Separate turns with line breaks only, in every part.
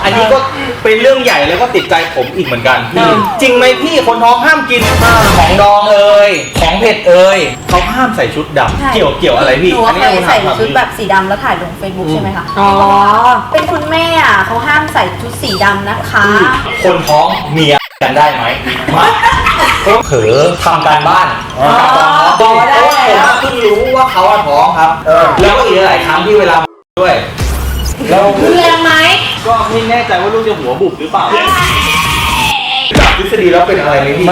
อันนี้ก็เป็นเรื่องใหญ่แล้วก็ติดใจผมอีกเหมือนกันจริงไหมพี่คนท้องห้ามกินของดองของเผ็ดเขาห้ามใส่ชุดดำเกี่ยวอะไรพี่
อันนี้ใส่ชุดแบบสีดำแล้วถ่ายลง Facebook ใช่ไหมคะอ๋อเป็นคุณแม่เขาห้ามใส่ชุดสีดำนะคะ
คนท้องเมียกันได้ไหมก็เผลอทำการบ้านตอนท้องผมเพิ่งรู้ว่าเขาท้องครับแล้วก็อีกหลายครั้งที่เวลาด้วยแล้ว
แรงไหม
ก็ไม่แน่ใจว่าลูกจะหัวบุบหรือเปล่าจากทฤษฎีแล้วเป็นอะไรไหมพี่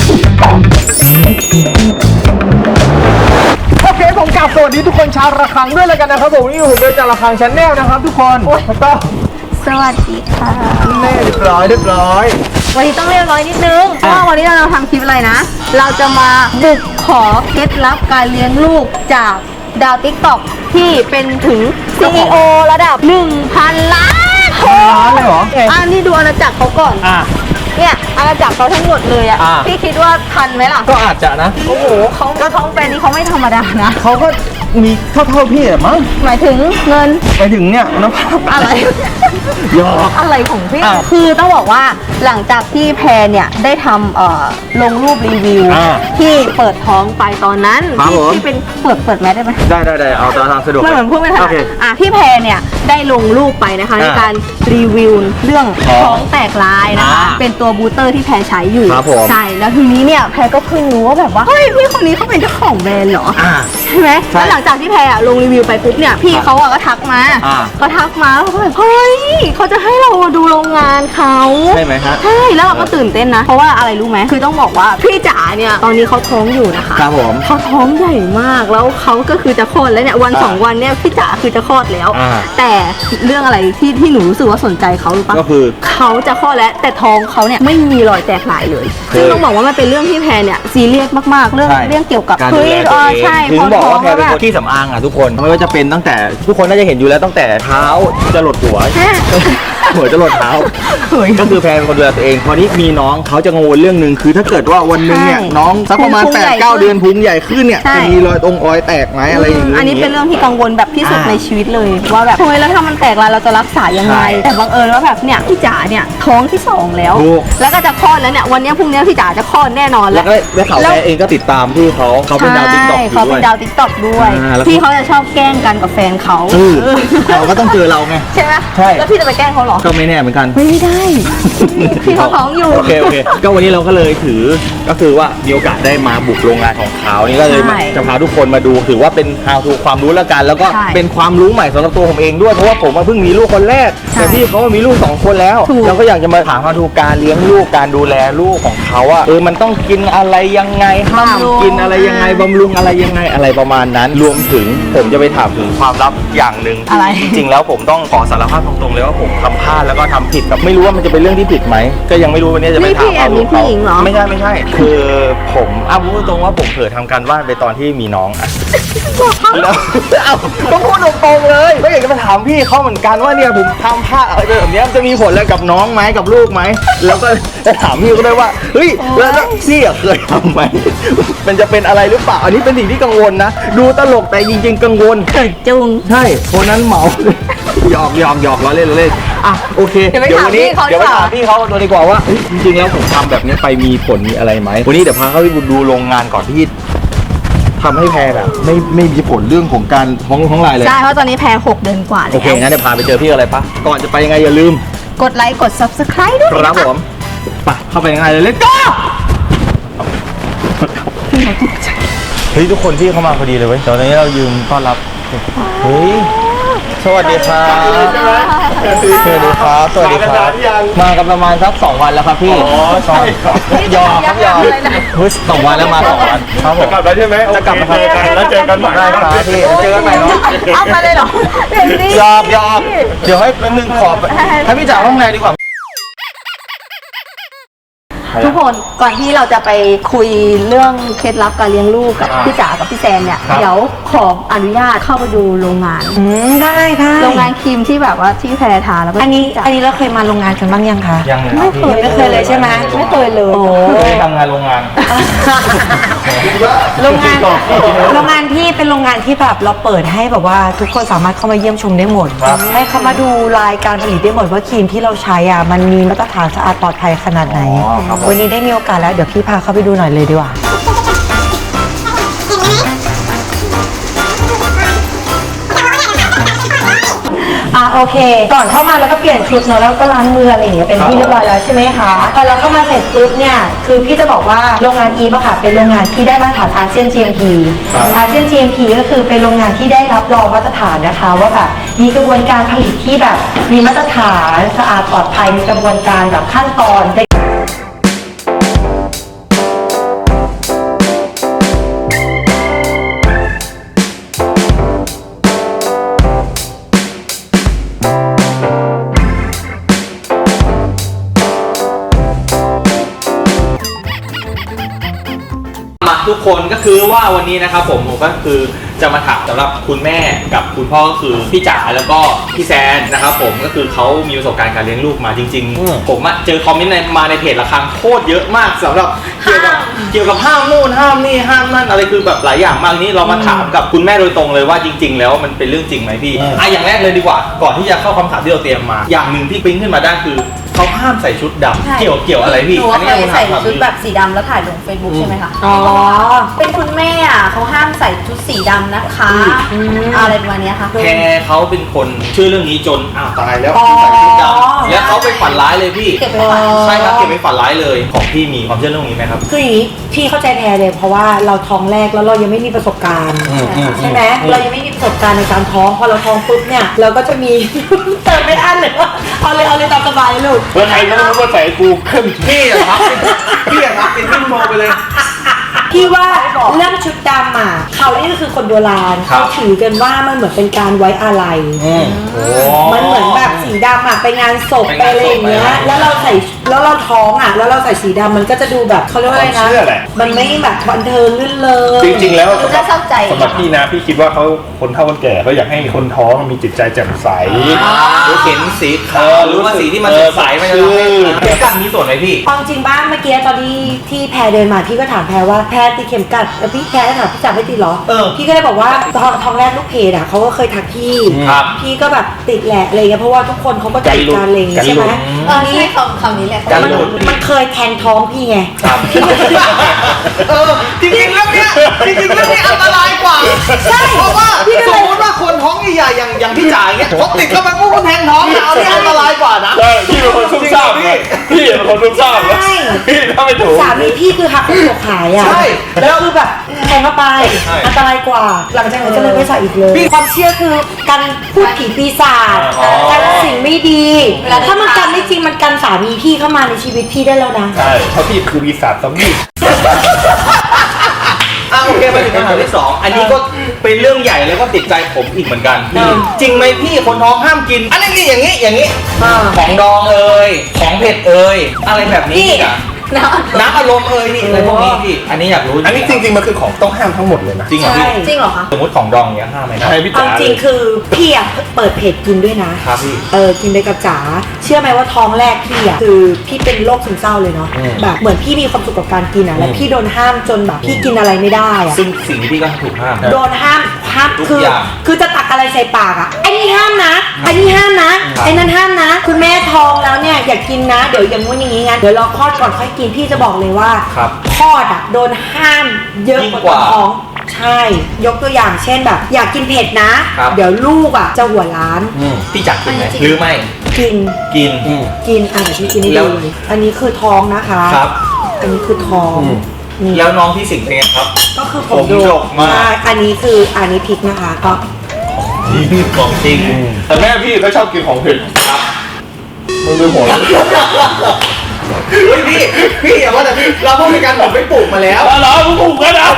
โอเคผมกลับสวัสดีทุกคนชาวระฆังด้วยเลยกันนะครับผมนี่ผมเป็นจากระฆังชาแนลนะครับทุกคนต้อง
สวัสดีค่ะ
เรียบร้อย
วันนี้ต้องเรียบร้อยนิดนึงเพราะว่าวันนี้เราทำคลิปอะไรนะเราจะมาบุกขอเคล็ดลับการเลี้ยงลูกจากดาวติ๊กต็อกที่เป็นถึง CEO ระดับ 1,000 ล้าน
เลยเหรอ
นี่ดูอาณาจักรเขาก่อนเนี่ยอาณาจักรเขาทั้งหมดเลยพี่คิดว่าทันไหมล่ะ
ก็อาจจะนะ
โอ้โหเขาเป็นนี่เขาไม่ธรรมดานะ
เขาก็มีเท่าพี่อะมั้ง
หมายถึงเงิน
หมายถึงเนี่ยน้ำ
อะไร
ยอ
อะไรของพี่คือต้องบอกว่าหลังจากที่แพรเนี่ยได้ทำลงรูปรีวิวที่เปิดท้องไปตอนนั้นที่เป็นเปิดแมสได้ไหม
ได้เอาตามสะดวก
เหมือนพูดไม่ทันพี่แพรเนี่ยได้ลงรูปไปนะคะในการรีวิวเรื่องท้องแตกลายนะคะเป็นตัวบูสเตอร์ที่แพรใช้อยู่ใช่แล้วทีนี้เนี่ยแพรก็เพิ่งรู้ว่าแบบว่าเฮ้ยพี่คนนี้เขาเป็นเจ้าของแบรนด์เหรอใช่ไหมแล้วหลังจากที่แพรลงรีวิวไปปุ๊บเนี่ยพี่เขาก็ทักมาแล้วก็แบบเฮ้ยเขาจะให้เราดูโรงงานเขา
ใช่ไหมฮะ
ใช่แล้วเราก็ตื่นเต้นนะเพราะว่าอะไรรู้ไหมคือต้องบอกว่าพี่จ๋าเนี่ยตอนนี้เขาท้องอยู่นะคะ
ครับผม
เขาท้องใหญ่มากแล้วเขาก็คือจะคลอดแล้วเนี่ยวัน2 วันเนี่ยพี่จ๋าคือจะคลอดแล้วแต่เรื่องอะไรที่หนูรู้สึกว่าสนใจเขาหรือปะ
ก็คือ
เขาจะคลอดแล้วแต่ท้องเขาเนี่ยไม่มีรอยแตกลายเลยซึ่งต้องบอกว่ามันเป็นเรื่องที่แพรเนี่ยซีเรียสมากๆเรื่องเกี่ยวกับ
คือ
ใช่
ถึงบอกว่าแพรเป็นคนที่สำอางทุกคนไม่ว่าจะเป็นตั้งแต่ทุกคนน่าจะเห็นอยู่แล้วตั้งแต่เท้าจะหลดหัวจะหลดเท้าก็คือแพรเป็นคนดูแลตัวเองพอนี้มีน้องเขาจะกังวลเรื่องนึงคือถ้าเกิดว่าวันนึงเนี่ยน้องสักประมาณ 8-9 เดือนพุงใหญ่ขึ้นเนี่ยจะมีรอยแตกไหมอะไรอย่างเงี้ย
อันนี้เป็นเรื่องที่กังวลแบบที่สุดในชีวิตเลยว่าแบบเฮ้ยแล้วถ้ามันแตกลายเราจะรักษายังไงแต่บังเอิญว่าแบบเนี่ยพี่จ๋าเนี่ยท้องที่2แล้วแล้วก็จะคลอดแล้วเนี่ยวันนี้พรุ่งนี้พี่จ๋าจะคลอดแน่นอนแล้ว
เขาแพรเองก็ติดตามพี่เขาเป็นดาวติ๊กต็อก
เขาเป็นดาวติ๊กต็อกด้วยพี่เขาจะชอบแกล้งกันกับแฟนเขา
เขาก็ต้องเจอเราไง
ใช่ไหมใช่แล้วพี่จะไปแกล้งเขาหรอ
ก็ไม่แน่เหมือนกัน
ไม่ได้พี่เขาท้องอยู่
โอเคก็วันนี้เราก็เลยถือก็คือว่ามีโอกาสได้มาบุกโรงงานของเขานี่ก็เลยจะพาทุกคนมาดูถือว่าเป็น how to ความรู้แล้วกันแล้วก็เป็นความรู้ใหม่สำหรับตัวผมเองด้วยเพราะว่าผมเพิ่งมีลูกคนแรกแต่พี่เขามีลูก2 คนแล้วเราก็อยากจะมาถาม how to การเลี้ยงลูกการดูแลลูกของเขามันต้องกินอะไรยังไงห้ามกินอะไรยังไงบำรุงอะไรยังไงอะไรประมาณนั้นรวมถึงผมจะไปถามถึงความลับอย่างหนึ่งจริงๆแล้วผมต้องขอสารภาพตรงๆเลยว่าผมทำพลาดแล้วก็ทำผิดแบบไม่รู้ว่ามันจะเป็นเรื่องที่ผิดไหมก็ยังไม่รู้วันนี้จะไปถามเขาไม่ใช่คือผมพูดตรงว่าผมเผลอทำการบ้านไปตอนที่มีน้องแล้วก็พูดตรงๆเลยก็อยากจะมาถามพี่เขาเหมือนกันว่าเนี่ยผมทำพลาดอะไรแบบนี้จะมีผลอะไรกับน้องไหมกับลูกไหมแล้วก็จะถามพี่ก็ได้ว่าเฮ้ยแล้วพี่เคยทำไหมมันจะเป็นอะไรหรือเปล่าอันนี้เป็นสิ่งที่กังวลนะดูตลกแต่จริงๆกังวล
จุง
ใช่คนนั้นเหมาหยอกล้อเล่นโอเคเดี๋ยววันนี้เดี๋ยวไปถามพี่เขาตัวดีกว่าว่าจริงๆแล้วผมทำแบบนี้ไปมีผลมีอะไรไหมวันนี้เดี๋ยวพาเขาไปดูโรงงานก่อนที่ทำให้แพรแบบไม่มีผลเรื่องของการท้องลายเลย
ใช่เพราะตอนนี้แพร6 เดือนกว่าแล้ว
โอเคงั้นเดี๋ยวพาไปเจอพี่อะไรปะก่อนจะไปยังไงอย่าลืม
กดไลค์กด Subscribe ด้วย
ครับผมไปเข้าไปยังไงเลยเล็กก็เฮ้ยทุกคนที่เข้ามาพอดีเลยเว้ยตอนนี้เรายืมต้อนรับเฮ้ยสวัสดีครับมากันประมาณสัก2 วันแล้วครับพี่
ใช่ครับ
ยอมเฮ้ย2 วันแล้วมา2 วันครับผม
จะกลับแล้วใช่ไหม
จะกลับมา
แล้วเจอกันใหม่
ได้ครับพี่เจอกันใหม่เนาะ
เอามาเลยเหรอ
ยอมเดี๋ยวให้เป็นหนึ่งขอบให้พี่จ๋าห้องแรกดีกว่า
ทุกคนก่อนที่เราจะไปคุยเรื่องเคล็ดลับการเลี้ยงลูกกับพี่จ๋ากับพี่แซนเนี่ยเดี๋ยวขออนุญาตเข้าไปดูโรงงาน
ได้
โรงงานครีมที่แบบว่าที่แพรทาแล้วก็
อันนี้เราเคยมาโรงงานกันบ้างยังคะ
ยังเลย
ไม่เคย
ไม่เคยเลยใช่ไหม
ไม่เคยเลย
เคยทำงานโรงงาน
โรงงานที่เป็นโรงงานที่แบบเราเปิดให้แบบว่าทุกคนสามารถเข้ามาเยี่ยมชมได้หมด
ครับ
ให้เขามาดูรายการผลิตได้หมดว่าครีมที่เราใช้อ่ะมันมีมาตรฐานสะอาดปลอดภัยขนาดไหน วันนี้ได้มีโอกาสแล้วเดี๋ยวพี่พาเข้าไปดูหน่อยเลยดีกว่า โอเค ก่อนเข้ามาแล้วก็เปลี่ยนชุดเนอะแล้วก็ล้างมืออะไรอย่างเงี้ยเป็นที่เรียบร้อยแล้วใช่ไหมคะพอเราเข้ามาเสร็จปุ๊บเนี่ยคือพี่จะบอกว่าโรงงานอีฟอะค่ะเป็นโรงงานที่ได้มาตรฐานอาเซียน GMP อาเซียน GMP ก็คือเป็นโรงงานที่ได้รับรองมาตรฐานนะคะว่าแบบมีกระบวนการผลิตที่แบบมีมาตรฐานสะอาดปลอดภัยมีกระบวนการแบบขั้นตอน
มาทุกคนก็คือว่าวันนี้นะครับผมก็คือจะมาถามสำหรับคุณแม่กับคุณพ่อก็คือพี่จ๋าแล้วก็พี่แซนนะครับผมก็คือเขามีประสบการณ์การเลี้ยงลูกมาจริงๆผมเจอคอมเมนต์มาในเพจละครั้งโคตรเยอะมากสำหรับเกี่ยวกับห้ามนู่นห้ามนี่ห้ามนั่นอะไรคือแบบหลายอย่างมากนี้เรามาถามกับคุณแม่โดยตรงเลยว่าจริง ๆ แล้วมันเป็นเรื่องจริงไหมพี่อย่างแรกเลยดีกว่าก่อนที่จะเข้าคำถามที่เราเตรียมมาอย่างหนึ่งที่ปิ๊งขึ้นมาได้คือเขาห้ามใส่ชุดดำเกี่ยวอะไรพี่
หนูเคยใส่ชุดแบบสีดำแล้วถ่ายลง Facebook ใช่ไหมคะ
อ๋อ
เป็นคุณแม่อ่ะเขาห้ามใส่ชุดสีดำนะคะอะไรประมาณเนี้ยค่ะ
แพรเขาเป็นคนชื่อเรื่องนี้จนตายแล้วใส่ชุดดำแล้วเขาไปฝันร้ายเลยพี่
เก็บไปฝัน
ใช่ครับเก็บไปฝันร้ายเลยของพี่มีความเชื่อเรื่องนี้ไหมครับ
คืออย่างนี้พี่เข้าใจแพรเลยเพราะว่าเราท้องแรกแล้วเรายังไม่มีประสบการณ์ใช่ไหมเรายังไม่มีประสบการณ์ในการท้องพอเราท้องปุ๊บเนี่ยเราก็จะมี เติมไม่อั้นเลยว่าเอาเลยตามสบายเลยลูก
แล้วใครก็ไม่รู้ว่าใส่กูขึ้นพี่อะครับพี่อะครับเป็นขึ้นโมไปเลย
พี่ว่าเรื่องชุดดำอ่ะเขานี่ก็คือคนโบราณ
ครั
เขา
บ
ถือกันว่ามันเหมือนเป็นการไว้อาลัยมันเหมือนแบบสีดำอ่ะไปงานศพไปอะไรอย่างเงี้ยแล้วเราท้องอ่ะแล้วเราใส่สีดำมันก็จะดูแบบเขาเรียกว่าอะไรนะ
ความเชื่อแหละ
มันไม่แบบบันเทิงลื่นเลง
จริงๆ แล้ว
ดูน่าเศร้าใจ
สำหรับพี่นะพี่คิดว่าเขาคนเฒ่าคนแก่เขาอยากให้คนท้องมีจิตใจแจ่มใส
หรือเห็นสีขาวหรือว่าสีที่มันสดใสมันจะทำให้เข็มกัดมีส่วนไหมพี่
ความจริงบ้านเมื่อกี้ตอนที่แพรเดินมาพี่ก็ถามแพรว่าแพรติดเข็มกัดแล้วพี่แพรก็ถามพี่จ๋าไม่ติดเหรอพี่ก็เลยบอกว่าท้องแรกลูกเพจอ่ะเขาก็เคยทักพี่
ครับ
พี่ก็แบบติดแหละอะไรเงี้ยเพราะว่าทุกคนเขาก็ติดการอะไรอย่างเงี้ยใช่ไหม
ใช่คำนี้แหละ
มันเคยแทงท้องพี่ไง
ครับ
พี่ก็
จริงๆเรื่องเนี้ยอันตรายกว่า
ใช่
เพราะว่าสมมติว่าคนท้องใหญ่ๆอย่างพี่จ๋าอย่างเงี้ยเขาติดเข้าไปปุ๊บก็แทงท้องเอาเนี่ยอันตรายกว่านะ
ใช่พี่เป็นคนซุ่มซ่ามไงพี่เป็นคนซุ่มซ่ามนะพี่ถ้าไม่ถูก
สามีพี่คือหักหัวขายอ่ะ
ใช่
แล้วคือแบบแทงเข้าไป
ใช่
อันตรายกว่า หลังจากนั้นก็เลยไม่ใส่อีกเลยความเชื่อคือการพูดผีปีศาจการสิ่งไม่ดีถ้ามันกันไม่จริงมันกันสามีพี่เข้ามาในชีวิตพี่ได้แล้วนะ
ใช่เพราะพี่คือปีศาจซอมบี้
โอเคมาถึงคำถามที่สองอันนี้ก็เป็นเรื่องใหญ่แล้วก็ติดใจผมอีกเหมือนกันจริงไหมพี่คนท้องห้ามกิน อันนี้อย่างนี้ของดองเอ่ยของเผ็ดเอ่ยอะไรแบบนี้อ่ะน้ำอารมณ์เอ่ยนี่อะไรพวกนี้พี่อันนี้อยากรู้
อันนี้จริงๆมันคือของต้องห้ามทั้งหมดเลยนะ
จริงเหรอพี่
ใช่
จริงเหรอคะ
สมมติของดองเนี้ยห้ามไหมครับ
ใช่พี่
เอา
จ๋า
จริงคือพี่อะเปิดเพจกินด้วยนะครับ
พี่
กินไปกับจ๋าเชื่อไหมว่าท้องแรกพี่อะคือพี่เป็นโรคซึมเศร้าเลยเนาะแบบเหมือนพี่มีความสุขกับการกินอะแล้วพี่โดนห้ามจนแบบพี่กินอะไรไม่ได้อะ
ซึ่งสิ่งที่พี่ก็ถูกห้าม
โดนห้าม
ทุก
คือ
อย่าง
คือจะตักอะไรใส่ปากอะไอ้นี่ห้ามนะไอ้นี่ห้ามนะไอ้นั่นห้ามนะ คุณแม่ท้องแล้วเนี่ยอย่ากินนะเดี๋ยวอย่างงู้นอย่างงี้งั้นเดี๋ยวรอคลอดก่อนค่อยกินพี่จะบอกเลยว่า
ครับ
คลอดอะโดนห้ามเยอะกว่าตอนท้องใช่ ยกตัวอย่างเช่นแบบ อยากกินเผ็ดนะ
ครับ
เดี๋ยวลูกอะจะหัวล้าน
พี่จักกินไหม
อันนี้จริง
หรือไม่
กิน
กิน
กินอ่ะเดี๋ยวพี่กินให้
แล้
ดู
ว
เลยอันนี้คือท้องนะคะ
ครับ
อันนี้คือท้องนี่
แล้วน้องพี่สิงห์เป็นไงครับ
ก็คือผ
ผม ม
ดู
ดกมาก
ใช่อันนี้คืออันนี้พริกนะคะก็
ของจริง
แต่แม่พี่เขาชอบกินของเผ็ดครับมึงดูหัวเราะ
เฮ้ยพี่อย่าว่าแต่พี่เราพูดในการผมไปปลูกมาแล้ว
เหรอมึงถูกแล้วนะ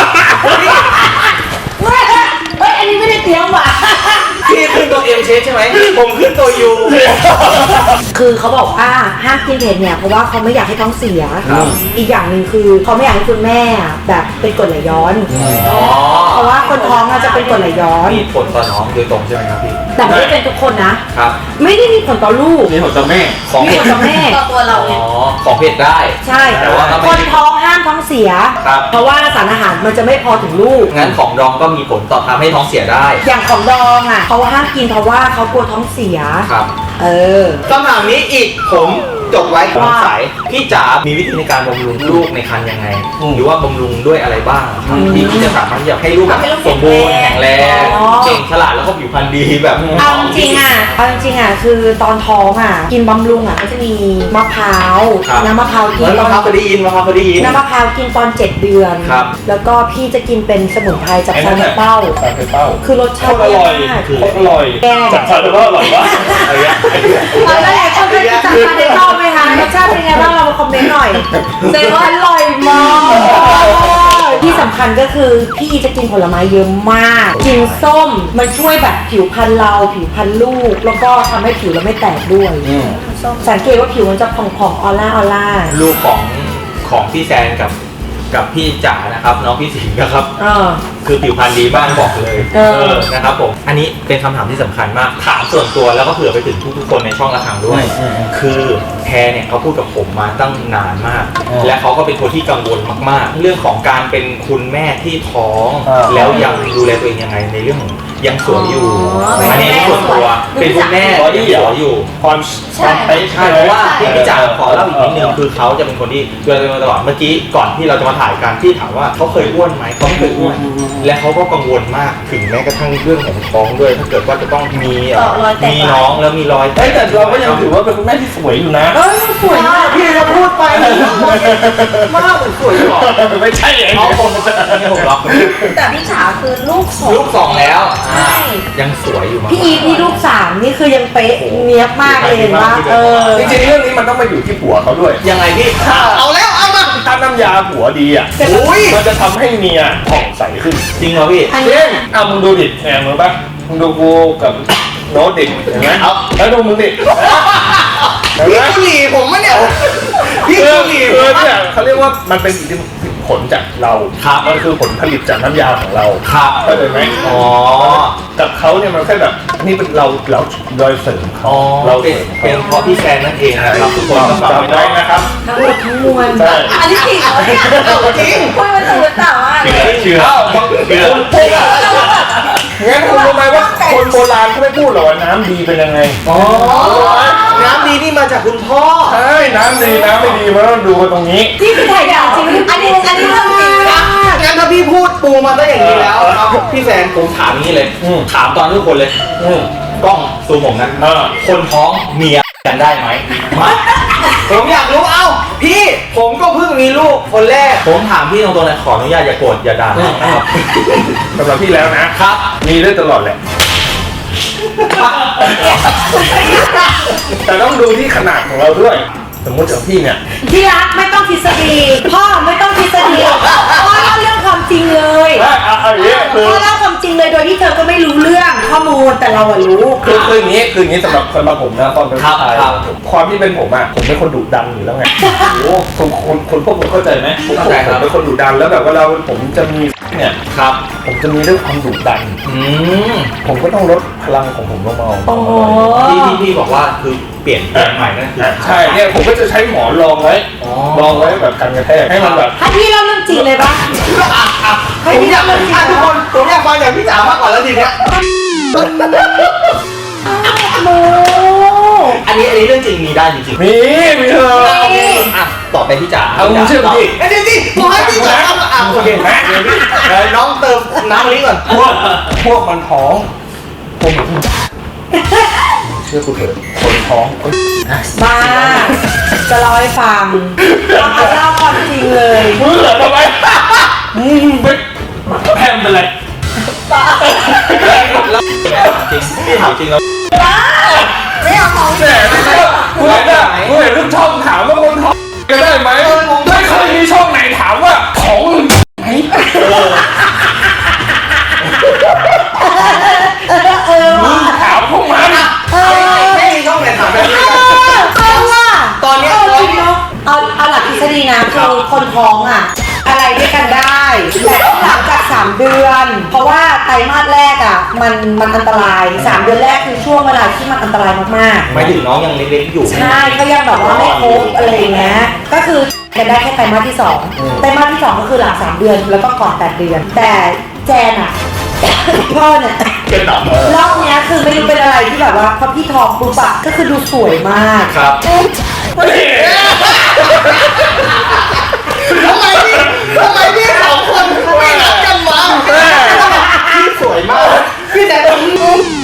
เฮ้ยอันนี้ไม่ได้เตรียมว่ะ
พี่ขึ้นตัวเอ็มเชใช่ไหมผมขึ้นตัวยู
คือเขาบอกว่าห้ามกินเผ็ดเนี่ยเพราะว่าเขาไม่อยากให้ท้องเสีย
ครับ
อีกอย่างหนึ่งคือเขาไม่อยากให้คุณแม่แบบเป็นกรดไหลย้อน
อ๋อ
เพราะว่าคนท้องจะเป็นกรดไหลย้อน
มีผลต่อน้องโดยตรงใช่ไหมครับพี่
แต่ไม่ได้เป็นทุกคนนะ
ครับ
ไม่ได้มีผลต่อลูก
นี่ผมจะแม่
ของ
มี
เผ็
ผ
ด
ลต่อแม่
ต่อตัวเราเนี่ย
อ๋อของเผ็ดได้
ใช่
แต่ว่า
คนท้องห้ามท้องเสีย
ครับ
เพราะว่าสารอาหารมันจะไม่พอถึงลูก
งั้นของดองก็มีผลต่อทำให้ท้องเสียได้
อย่างของดองอ่ะเขาห้ามกินเพราะว่าเขากลัวท้องเสีย
ครับ
เออ
คำถามนี้อีกผมจดไว้สง
ว่า
สัยพี่จ๋ามีวิธีในการบำรุงลูกในครรภ์ยังไง หรือว่าบำรุงด้วยอะไรบ้างครับที่จะสามารถที่จะให้ลูกแบบ
ทำให้ลูก
สมบูรณ์แข็งแรง
อ๋อ
เก่งฉลาดแล้วก็ผิวพรรณดีแบบ
เอาจริงๆอ่ะคือตอนท้องอ่ะกินบำรุงอ่ะก็จะมีมะพร้าว
ครับ
น้ำมะพร้าวกิน
แล้ว
ต
มะ
อน
พร้าวพอดีอินมะพร้าวพอดีอิน
น้ำมะพร้าวกินตอน 7 เดือน
ครับ
แล้วก็พี่จะกินเป็นสมุนไพรจาก
ไอ้
ซา
นั่น
เน
น่ะ
เป้า
ซาเปเป้า
คือรส
โค
ชาติ
ตรอร่อย
มาก
โคตรอร่อย
แก
จากซาเปเป้าอร่อยวะอะไรเงี้ย
ตอนแรกเขาจะจากซาเนเป้าไหมคะรสชาติเป็นไงบ้างเรามาคอมเมนต์หน่อยเซว่าอร่อยมากที่สำคัญก็คือพี่จะกินผลไม้เยอะมาก กินส้มมันช่วยแบบผิวพรรณเราผิวพรรณลูก แล้วก็ทำให้ผิวเราไม่แตกด้วย สังเกตว่าผิวมันจะผ่องๆออร่า
ลูกของพี่แซนกับพี่จ๋านะครับน้องพี่สิงห์นะครับ คือผิวพรรณดีบ้างบอกเลย นะครับผมอันนี้เป็นคำถามที่สำคัญมากถามส่วนตัวแล้วก็เผื่อไปถึงทุกๆคนในช่องระฆังด้วย คือแพรเนี่ยเขาพูดกับผมมาตั้งนานมาก และเขาก็เป็นคนที่กังวลมากๆ เรื่องของการเป็นคุณแม่ที่ท้อง แล้วยังดูแลตัวเองยังไงในเรื่องของยังสวยอยู่ อันนี้ส่วนตัวเป็นคุณแม่ที่สวยอยู่
ความเป๊ะ
ใช่เพราะว่าพี่จ๋าขอเล่าอีกนิดนึงคือเขาจะเป็นคนที่ดูแลตัวเองมาตลอดเมื่อกี้ก่อนที่เราจะมาถ่ายกันที่ถามว่าเขาเคยอ้วนไหมเขาไม่เคยอ้วนและเขาก็กังวลมากถึงแม้กระทั่งเรื่องของท้องด้วย ถ้าเกิดว่าจะต้องมี
รอยแตก
มีน้องแล้วมีรอย
เอ้ยแต่เราก็ยังถือว่าเป็นคุณแม่ที่สวยอยู่นะ
ๆสวยมากพี่จะพูดไป
มากเหมือนสวยหรอ
ไม่ใช่เอง
เขาคงไม่ผมรับ
แต่พี่จ๋าคือลูกสอง
ลูกสองแล้ว
ใช่
ยังสวยอยู่มาก
พี่อีทนี่ลูก3นี่คือยังเป๊ะเนี้ยบมากเลยเห็นปะ
จริงๆเรื่องนี้มันต้องมาอยู่ที่ผัวเขาด้วย
ยังไงพี่เอาแล้วเอามา
ถ้าน้ำยาผัวดีอ่ะ
อุ้ย
มันจะทำให้เมียผ่องใสขึ้น
จริงเหรอพี่
อัน
เช่
นี้
นเอามึงดูดิแหมมึงปะมึงดูกูกับโน้ตดิเห็นไหมเอาแล้วดูมึงดิเห็น
พี่
ไหม
กุหรี่ผมมะเนี่ยพี่
คือ
กุหรี่
เนี่ยเขาเรียกว่ามันเป็นอิทธิผลจากเรา
ครับ
มันคือผลผลิตจากน้ำยาของเรา
ครับ
เข้าใจไหม
อ๋อ
กับเขาเนี่ยมันแค่แบบนี่เป็นเราโดยเสริมเขา
อ๋อ
เรา
เป็น
เสริมเขา
เพราะพี่แซนนั่นเองนะครับทุกคนก็ฝาก
จำ
ไว้
ไว้
ด้วย
นะครับ
ทั้งหมดทั้งมวล
ใช่
อันนี้จริงเหรอเนี่ย
จริง
คุยมันตื่นแต่ว่า
เชื่อ
งั้นคุณรู้ไหมว่าคนโบราณเขาไม่พูดหรอกว่าน้ำดีเป็นยังไง
อ๋อน้ำดีนี่มาจากคุณพ่อ
ใช่น้ำดีน้ำไม่ดีมันต้องดูกันตรงนี้
ที่คือถ่ายอย่างจริง
อันนี้เรื่องจริงนะ
งั้นถ้าพี่พูดปูมาซะอย่างนี้แล้วครับพี่แซนผมถามนี้เลย
อืม
ถามตอนทุกคนเลย กล้องซูมผมนะ คนท้องเมียกันได้ไหมผมอยากรู้เอ้าพี่ผมก็เพิ่งมีลูกคนแรก ผมถามพี่ตรงๆเลยขออนุญาตอย่าโกรธอย่าด่านะครับ
สำหรับพี่แล้วนะครับ มีได้ตลอดแหละ แต่ต้องดูที่ขนาดของเราด้วย สมมติอย่างพี่เนี่ย
ที่รักไม่ต้องทฤษฎีพ่อไม่ต้องทฤษฎีพ่อเล่าเรื่องความจริงเลย
เอาอย่างนี้คือ
พ่อเล่าความจริงเลยโดยที่เธอก็ไม่รู้เรื่องข้อมูลแต่เราอะรู้
คืออย่างนี้สำหรับผมนะตอนเป็นผู้ชาย
ครับ
ความที่เป็นผมอ่ะผมเป็นคนดุดันอยู่แล้วไงโอ้คนพวกผมเข้าใจไหมผมเป็นคนดุดันแล้วแบบว่าผมจะมีเนี่ย
ครับ
ผมจะมีเรื่องความดุดัน ผมก็ต้องลดพลังของผมลงมา
โอ้โห
พี่บอกว่าคือเปลี่ยนแปลงใหม่นั่นคือ
ใช่เนี่ยผมก็จะใช้หมอนรองไว้
อ๋อ
รองไว้แบบกันกระแทกให้มันแบบ
ให้พี่เล่าเรื่องจริงเลยปะ
ผมอยากทุกคนผมอยากฟังจากพี่จ๋ามากกว่าแล้วทีเนี้ย
โม
อันนี้เรื่องจริงมีได้จริงๆ
มีเธอ
อ่ะต่อไปพี่จ๋า
เอามึงเชื่อผมดิ
เดี๋ยวดิผมให้พี่จ๋าทำอ่ะโอเคไหมเดี๋ยวน้องเติมน้ำลิ้นก่อน
พวกมันท้องผมเชื่อกูเถอะคนท้อง
บ้าจะเล่าให้ฟังเอาเล่าความจริงเลย
มึงเหรอทำไมไม่แพมเป็นไร
จริงพี่ถามจริงแล้ว
ไม่เอาของ
แต่กูเห็นทุกช่องถามว่าคนท้องก็ได้ไหมไม่เคยมีช่องไหนถามว่าท้องไหมมึงถามพวกมัน
ไม่มีช่องไหนถามแบบนี้กัน
คนท้องอ่ะอะไรด้วยกันได้แต่ต้องหลังจาก3 เดือน เพราะว่าไตรมาสแรกอ่ะมันอันตราย3 เดือนแรกคือช่วงเวลาที่มันอันตรายมาก
หมายถึงน้องยังเล็กๆอยู่
ๆใช่เขายังแบบว่าไม่ครบอะไรอย่างเงี้ยก็คือกันได้แค่ไตรมาสที่2ไตรมาสที่2ก็คือหลัง3 เดือนแล้วก็ก่อน8 เดือน แต่แจนอ่ะ พ่อเนี่ย
เป็นหนัก
รอบเนี้ยคือไม่รู้เป็นอะไรที่แบบว่าพอพี่ท้องปุ๊บอะก็คือดูสวยมาก
ครับทำไมพี่สองคนไม่รักกันวะพี่สวยมากพี่แต่ตรงนี้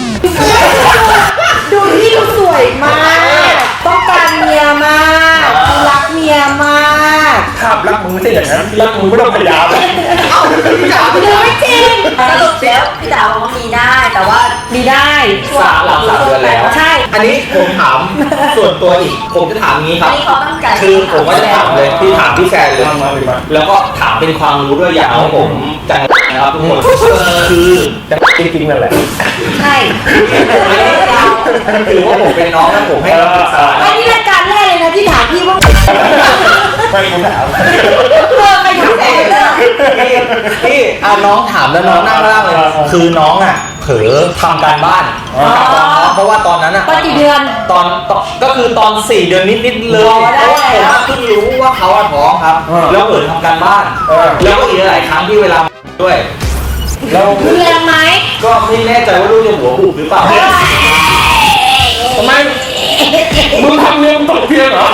ดูพี่ดูสวยมากต้องการเมียมากรักเมียมาก
ภาพรักมึงไม่ใช่อย่างนั้นรักมึงไม่ต้องพยายาม
เอ้าพี่จ๋า
ดูไม่จริง
สรุปแล้วพี่จ๋าบอกว่ามีได้แต่ว่า
มีได้
หลัง3 เดือนแล้ว
ใช่
อันนี้ผมถามส่วนตัวอีกผมจะถามงี้ครับ
อันนี้เขาตั้งใจ
คือผมว่าจะถามเลยพี่ถามพี่แซนเลย
มาเลยมา
แล้วก็ถามเป็นความรู้ด้วยอย่างของผมจังนะครับทุกคนคือ
จริงๆนั่นแหละ
ใช่
ถือว่าผมเป็นน้องแล้วผมให้คำปรึกษา
อันนี้รายการแรกเลยนะที่ถามพี่ว่า
ไม่คุณถาม
ไปถามแฟนเลย
พี่น้องถามแล้วน้องนั่งล่างเลย คือน้องอ่ะเผลอทำการบ้านกับตอนน้องเพราะว่าตอนนั้นอ่ะ
ตอนกี่เดือน
ตอนก็คือตอน4 เดือนนิดๆเลย
อ๋อได้
เพราะว่าผมเพิ่งรู้ว่าเขาอะท้องครับ แล้วเปิดทำการบ้าน แล้วก็อีกหลายครั้งที่เวลาด้วย
แล้ว
รุนแรงไหม
ก็ไม่แน่ใจว่าลูกจะหัวบุบหรือเปล่า
ทำไมมึงทำเนี่ยมึงตกเพียงเหรอ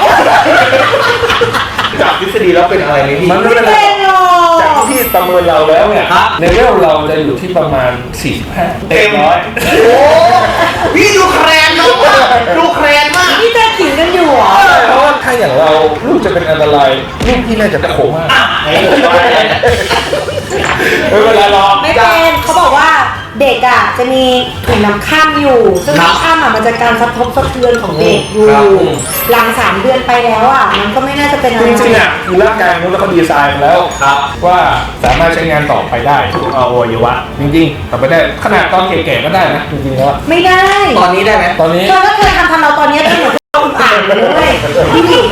จากทฤษฎีแล้วเป็นอะไรไหมพี่
มันไม่เป็นไร
เป็นหรอ
จากที่พี่ประเมินเราแล้วเนี่ย
ครับ
ในเวลเราจะอยู่ที่ประมาณ45เต็มร้อย
โอ้พี่ดูแครนมากดูแครนมาก
นี่จะขิงกันอยู่เหรอ
เพราะว่าถ้าอย่างเราลูกจะเป็นอันตรายลูกพี่น่าจะโขมากไม่เป็นไรหรอก
ไม่เป็นเขาบอกว่าเด็กอ่ะจะมีถุงน้ำข้ามอยู่ ซึ่ง
ครับ
น้ำข้ามอ่ะมันจะการสะทบสะเทือนของเด็กอยู่
ครับ
หลัง3 เดือนไปแล้วอ่ะมันก็ไม่น่าจะเป็นอะไร
จริงๆอ่ะคือร่างกายมนุษย์แล้วเขาดีไซน์มาแล้ว
ครับ
ว่าสามารถใช้งานต่อไปได้ทุกอวัยวะจริงๆต่อไปได้ขนาดตอนแก่ๆก็ได้นะจริงๆแล้ว
ไม่ได้
ตอนนี้ได้ไหม
ตอนนี้
เธอก็เคยทำเราตอนนี้เป็นเหมือนอ่านเลยพี่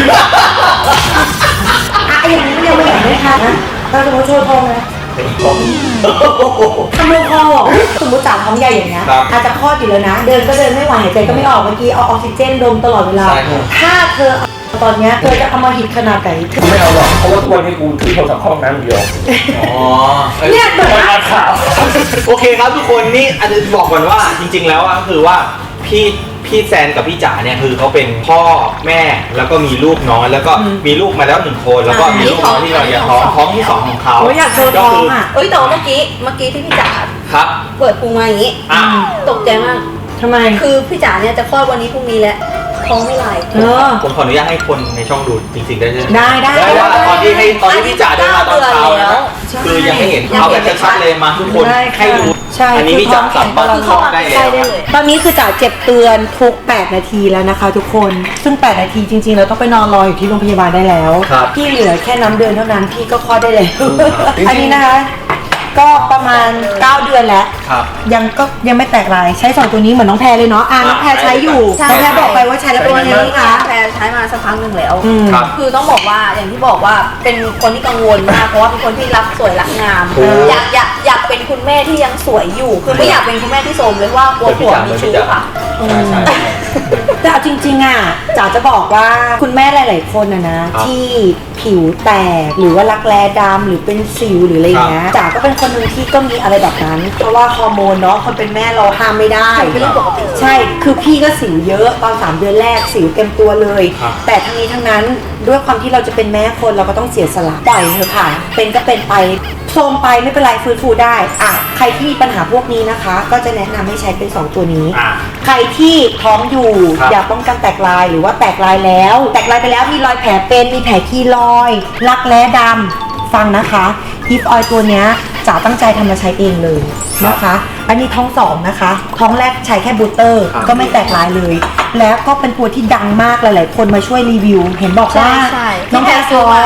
อ่ะอย่างนี้ยังไม่เห็นไหมคะเราสมมติโชว์ทองนะทำลงคอเหรอสมมติจ่าท้องใหญ่อย่างเงี้ย
ครับ
อาจจะคลอดอยู่แล้วนะ เดินก็เดินไม่ไหวหายใจก็ไม่ออกเมื่อกี้เอาออกซิเจนดมตลอดเวลา
ใช่ครับ
ถ้าเธอเอาตอนเนี้ยเธอจะเอามาหิดขนาดไหน
ไม่เอาหรอกเพราะว่าทุกวันนี้กูถือโทรศัพท์เข้าห้องน้ำเดียว
อ๋อ
เนี่ยเหมือน
มัน
ว่า
อ่านข่าว
โอเคครับทุกคนนี่อาจจะบอกก่อนว่าจริงๆแล้วอะคือว่าพี่แซนกับพี่จ๋าเนี่ยคือเขาเป็นพ่อแม่แล้วก็มีลูกน้อยแล้วก็มีลูกมาแล้ว1 คนแล้วก็มีลูกน้อยที่เราอยากท้องที่2ของเขา
โอ้ยอยากโชว์ท้องอ่ะ
เอ้ยแต่ว่าเมื่อกี้ที่พี่จ๋า
ครับ
เปิดพุงมาอย่างนี้
อ่ะ
ตกใจมาก
ทำไม
คือพี่จ๋าเนี่ยจะคลอดวันนี้พรุ่งนี้แล้วท้องไม่ไหล
ผมขออนุญาตให้คนในช่องดูจริงๆได้ใช่ไหม
ได้
เพราะว่าตอนที่พี่จ๋าเดินมาตอนเช้านะคือยังไม่เห็นเขาแบบชัดๆเลยมาทุกคน
ได้ค่ะ
ให้ดู
ใช่
อันนี้พี่จ๋ากลับบ้าน
คือเข้ามา
ได้
ใกล้
แล้ว
ได้เลย
ตอนนี้คือจ๋าเจ็บเตือนทุก8 นาทีแล้วนะคะ ทุกคนซึ่ง8 นาทีจริงๆเราต้องไปนอนรออยู่ที่โรงพยาบาลได้แล้ว
ครับ
พี่เหลือแค่น้ำเดือนเท่านั้นพี่ก็คลอดได้แล้วอันนี้นะคะ ก็ประมาณ9 เดือนแล้ว
ครับ
ยังไม่แตกลายใช้2ตัวนี้เหมือนน้องแพรเลยเนาะน้องแพรใช้อยู่
ใช่
น้องแพรบอกไปว่าใช้แล้วเป็นยังไง
นี่
คะ
แพรใช้มาสักพักหนึ่งแล้ว
ครับ
คือต้องบอกว่าอย่างที่บอกว่าเป็นคนที่กังวลมากเพราะว่าเป็นคนที่รักสวยรักงาม
ถูก
อยากเป็นคุณแม่ที่ยังสวยอยู่ คือไม่อยากเป็นคุณแม่ที่โทรมเลยว่ากลัวผัวมีชู้ค่ะ
ใช่
แต่เอาจริงๆอ่ะจ๋าจะบอกว่าคุณแม่หลายๆคนนะที่ผิวแตกหรือว่ารักแร้ดำหรือเป็นสิวหรืออะไรอย่างเงี้ยจ๋าก็เป็นคนหนึ่งที่ก็มีอะไรแบบนั้น เพราะว่าฮอร์โมนเนาะคนเป็นแม่เราห้ามไม่ได้
เป็นเรื่องปกติ
ใช่คือพี่ก็สิวเยอะตอน3 เดือนแรกสิวเต็มตัวเลย
ครับ
แต่ทั้งนี้ทั้งนั้นด้วยความที่เราจะเป็นแม่คนเราก็ต้องเสียสละปล่อยเถอะค่ะ เป็นก็เป็นไปโทรมไปไม่เป็นไรฟื้นฟูได้อ่ะใครที่มีปัญหาพวกนี้นะคะ ก็จะแนะนำให้ใช้เป็น2 ตัวนี้
อ่ะ
ใครที่ท้องอยู่
ครับ
อยากป้องกันแตกลายหรือว่าแตกลายแล้ว แตกลายไปแล้วมีรอยแผลเป็นมีแผลคีรอยรักแร้ดำฟังนะคะฮิปออยตัวเนี้ยจ๋าตั้งใจทำมาใช้เองเลยนะคะ อันนี้ท้อง2นะคะท้องแรกใช้แค่บูสเตอร์
ครับ
ก็ไม่แตกลายเลย แล้วก็เป็นตัวที่ดังมากหลายๆคนมาช่วยรีวิว เห็นบอกว่า
ใช่
น้องแพรท้อง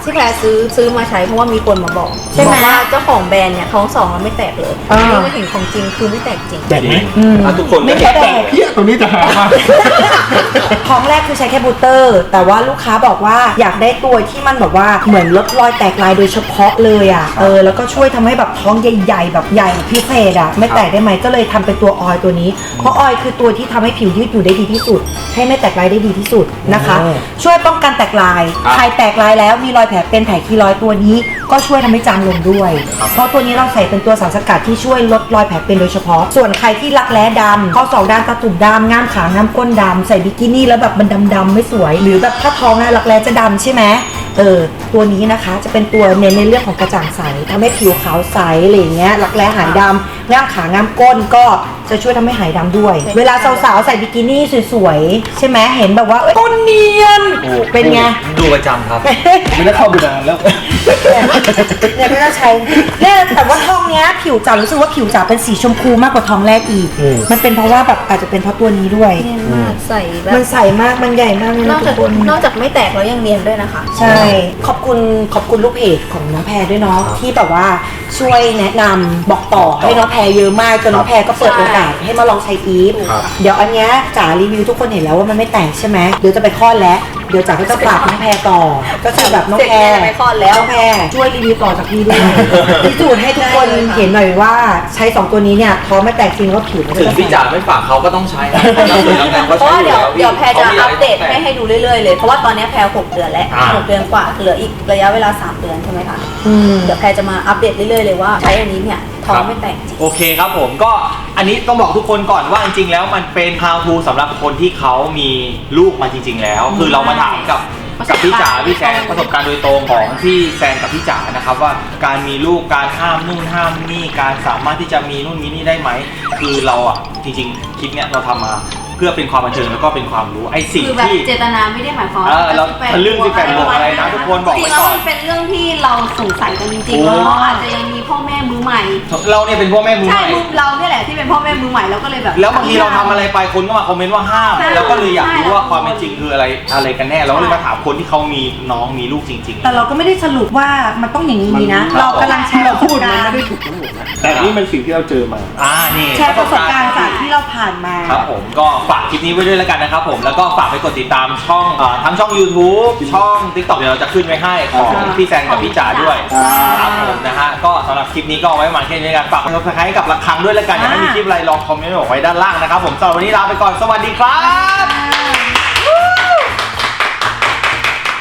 ที่แพรซื้อมาใช้เพราะว่ามีคนมาบอก
ใช่ไหม
บอกว่าเจ้าของแบรนด์เนี่ยท้อง2แล้วไม่แตกเลย
อ่า
นี่มาเห็นของจริงคือไม่แตกจริง
แตกไหม
ทุกคนก็
ไม่
เห็น
แตก
เพี้ยตัวนี้จะหามาก
ท้องแรกคือใช้แค่บูสเตอร์ แต่ว่าลูกค้าบอกว่าอยากได้ตัวที่มันแบบว่าเหมือนลดรอยแตกลายโดยเฉพาะเลยอ่ะแล้วก็ช่วยทำให้แบบท้องใหญ่ๆแบบใหญ่พิเศษอ่ะไม่แตกได้ไหมก็เลยทำเป็นตัวออยล์ตัวนี้เพราะออยล์คือตัวที่ทำให้ผิวยืดอยู่ได้ดีที่สุด ให้ไม่แตกลายได้ดีที่สุดนะคะ ช่วยป้องกันแตกลายใครแตกลายแล้วมีรอยแผลเป็นแผลคีรอยตัวนี้ก็ช่วยทำให้จางลงด้วย เพราะตัวนี้เราใส่เป็นตัวสารสกัดที่ช่วยลดรอยแผลเป็นโดยเฉพาะส่วนใครที่รักแร้ดำข้อศอกดำตาตุ่มดำง่ามขาง่ามก้นดำใส่บิกินี่แล้วแบบมันดำๆไม่สวย หรือแบบถ้าท้องอะรักแร้จะดำใช่ไหมตัวนี้นะคะจะเป็นตัวเน้นในเรื่องของกระจ่างใสทำให้ผิวขาวใสอะไรอย่างเงี้ยรักแร้หายดำง่ามขาง่ามก้นก็จะช่วยทำให้หายดำด้วย เวลาสาวๆใส่บิกินี่สวยๆใช่ไหมเห็นแบบว่าก้นเนียนเป็นไง
ดูประจำครับ
ไม่ได้เข้าไปนานแล้ว
เนี่ยก็จะใช้เนี่ยแต่ว่าทองเนี้ยผิวจ๋ารู้สึกว่าผิวจ๋าเป็นสีชมพูมากกว่าทองแรกอีก มันเป็นเพราะว่าแบบอาจจะเป็นเพราะตัวนี้ด้วย
เนียนมากใส่แบบ
มันใสมากมันใหญ่มากเลย
น
นะ
อก
ทุ
จาก
กคน
นอกจากไม่แตกแล้วยังเนียนด้วยนะคะ
ใช่ ขอบคุณลูกเพจของน้องแพรด้วยเนาะที่แบบว่าช่วยแนะนำบอกต่อให้น้องแพรเยอะมากจนน้องแพรก็เปิดโอกาสให้มาลองใช้อีฟ
ครับ
เดี๋ยวอันเนี้ยจ๋ารีวิวทุกคนเห็นแล้วว่ามันไม่แตกใช่ไหมเดี๋ยวจะไปคลอดแล้วเดี๋ยวจ๋าก็จะฝากน้องแพรต่อก็คือแบบน้องแพร
เสร็จแล้วไปคลอดแล้ว
น้องแพรช่วยรีวิวต่อจากพี่ด้วยพิสูจน์ให้ทุกคนเห็นหน่อยว่าใช้2ตัวนี้เนี่ยท้องไม่แตกจริงว่าผิวมัน
ถึง
จะ
พี่จ๋าไม่ฝากเขาก็ต้องใช้นะเพ
เพราะว่าเดี๋ยวแพรจะอัปเดต
ให้
ให้ดูเรื่อยๆเลยเพราะว่าตอนนี้แพร6เดือนแล้ว6เดือนกว่าเหลืออีกระยะเวลา3เดือนใช่ไหมคะเดี๋ยวแพรจะมาอัปเดตเรื่อยๆเลยว่าใช้อันนี้เนี่ยท้องไม่แตกจริง
โอเคครับผมก็อันนี้ต้องบอกทุกคนก่อนว่าจริงๆแล้วมันเป็น how to สำหรับคนที่เขามีลูกมาจริง ๆ แล้ว คือเรามาถามกับพี่จ๋าพี่แซนประสบการณ์โดยตรงของพี่แซนกับพี่จ๋านะครับว่าการมีลูกการห้ามนู่นห้ามนี่การสามารถที่จะมีนู่นมีนี่ได้ไหมคือเราอ่ะจริงๆคลิปเนี้ยเราทำมาเพื่อเป็นความบันเทิงแล้วก็เป็นความรู้ไอ้สิ่ง
คือแบบ
ที่
เจตนาไม่ได้หมายความ
เราทะลึ่ง18บวกอะไรนะทุกคนบอกไว้ก่อน
จริงๆแล้วมันเป็นเรื่องที่เราสงสัยกันจริงๆแล้วเราอาจจะยังมีพ่อแม่มือใหม่
เราเนี่ยเป็นพ่อแม่มือ
ใช่
ใหม่
เราเนี่ยแหละที่เป็นพ่อแม่มือใหม่เราก็เลยแบบ
แล้วบางทีเราทำอะไรไปคนก็มาคอมเมนต์ว่าห้าม
ใช่
แล้วก็เลยอยากรู้ว่าความเป็นจริง
ใช่
คืออะไรกันแน่เราก็เลยมาถามคนที่เขามีน้องมีลูกจริงๆ
แต่เราก็ไม่ได้สรุปว่ามันต้องอย่างนี้นะ เรากำลังแชร์ประส
พู
บ
ดมัน
การ
ไม่
ณ์
ได้ถูกทั้งหมดนะแต่นี่มันสิ่งที่เราเจอมา
นี่
แชร์ประสบการณ์จากที่เราผ่านมา
ครับผมก็ฝากคลิปนี้ไว้ด้วยแล้วกันนะครับผมแล้วก็ฝากไปกดติดตามช่องทั้งช่อง YouTube ช่อง TikTok เดี๋ยวเราจะขึ้นไว้ให้ของพี่แซนกับพี่จ๋าด้วยครับผมนะฮะก็สำหรับคลิปนี้ก็เอาไว้ประมาณแค่นี้กันฝากกด subscribe กับระฆังด้วยแล้วกันอยากให้มีคลิปอะไรลองคอมเมนต์บอกไว้ด้านล่างนะครับผมสำหรับวันนี้ลาไปก่อนสวัสดีครับ